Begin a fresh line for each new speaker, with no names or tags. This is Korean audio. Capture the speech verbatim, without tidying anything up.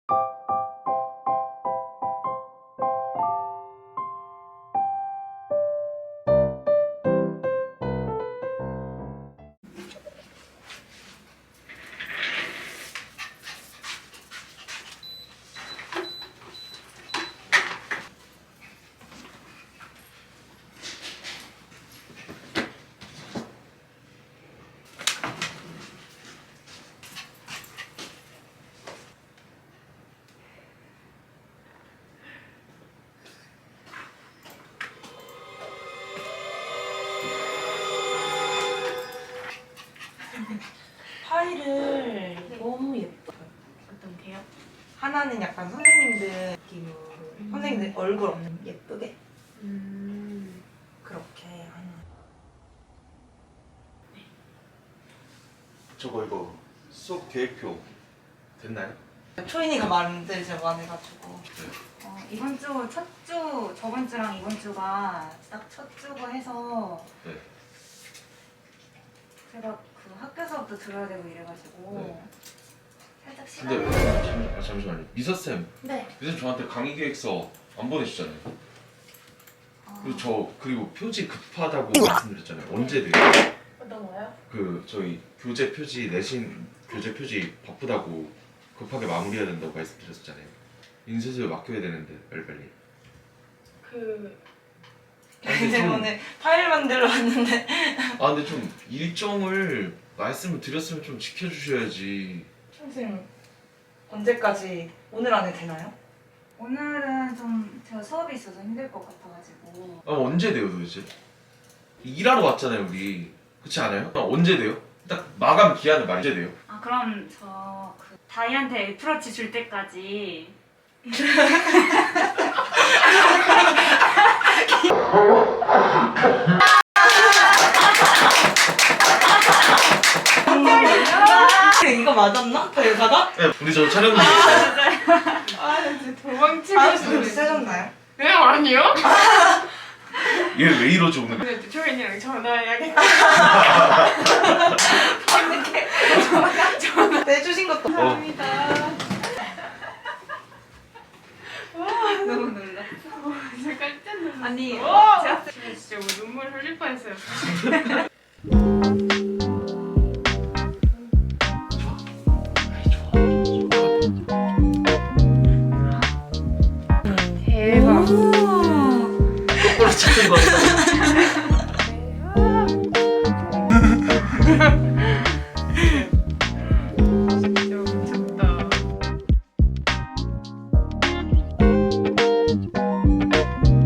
파일을 너무 예뻐요.
어떤 게요?
하나는 약간 선생님들 느낌으로
음.
선생님들 얼굴 없는 예쁘게
음.
그렇게 하나.
저거 이거 수업 계획표 됐나요?
초인이가 만들자고 안 해가지고
어, 이번 주 첫 주, 저번 주랑 이번 주가 딱 첫 주고 해서
네.
제가 그 학교 수업도 들어야 되고 이래가지고
네.
살짝
근데
시간.
잠, 아, 잠시만요. 미서쌤,
네.
미서쌤 저한테 강의 계획서 안 보내주잖아요.
어,
그리고 저 그리고 표지 급하다고 말씀드렸잖아요. 언제 돼요?
어떤 거요?
그 저희 교재 표지 내신 교재 표지 바쁘다고 급하게 마무리해야 된다고 말씀드렸잖아요. 인쇄소에 맡겨야 되는데 빨리빨리.
그
아, 근데
이제
좀-
오늘 파일 만들러 왔는데
아 근데 좀 일정을 말씀을 드렸으면 좀 지켜주셔야지.
선생님 언제까지 오늘 안에 되나요?
오늘은 좀 제가 수업이 있어서 힘들 것 같아가지고
아 언제 돼요 도대체? 일하러 왔잖아요 우리. 그렇지 않아요? 아, 언제 돼요? 딱 마감 기한을 말이 언제 돼요?
아 그럼 저 그 다이한테 애플워치 줄 때까지
이거 맞았나? 대사가?
네, 우리 저 촬영 중에 있어요.
아 진짜 도망치고
아,
싶네.
진짜 세졌나요?
네 아니요?
얘 왜 이러지 오늘?
근데 초인이랑 전화해야겠다.
내주신 것도
어.
감사합니다.
너무 놀랐어.
진짜 깜짝 놀랐어.
아니
와!
제가
진짜 뭐 눈물 흘릴 뻔했어요.